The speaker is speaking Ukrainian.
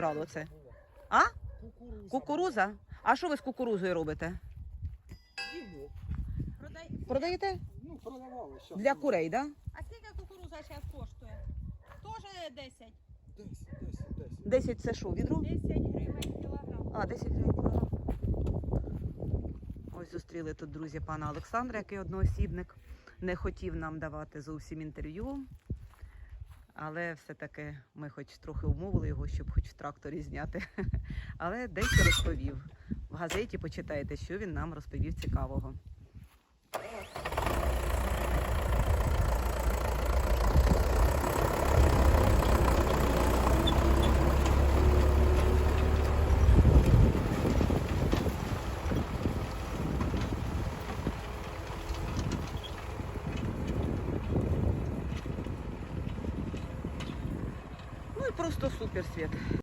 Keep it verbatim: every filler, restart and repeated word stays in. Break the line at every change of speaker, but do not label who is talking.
зібрало це? А?
Кукуруза.
Кукуруза? А що ви з кукурузою робите?
Їмо.
Продай...
Продаєте?
Ну, продавали. Щас.
Для курей, так? Да?
А скільки кукуруза зараз коштує? Тоже десять.
десять, десять, десять.
десять це що, відро?
десять гривень кілограм.
А, десять гривень кілограм. Ось зустріли тут, друзі, пана Олександра, який одноосібник. Не хотів нам давати зовсім інтерв'ю. Але все-таки ми хоч трохи умовили його, щоб хоч в тракторі зняти. Але дещо розповів. В газеті почитайте, що він нам розповів цікавого. Ну і просто супер, Світ.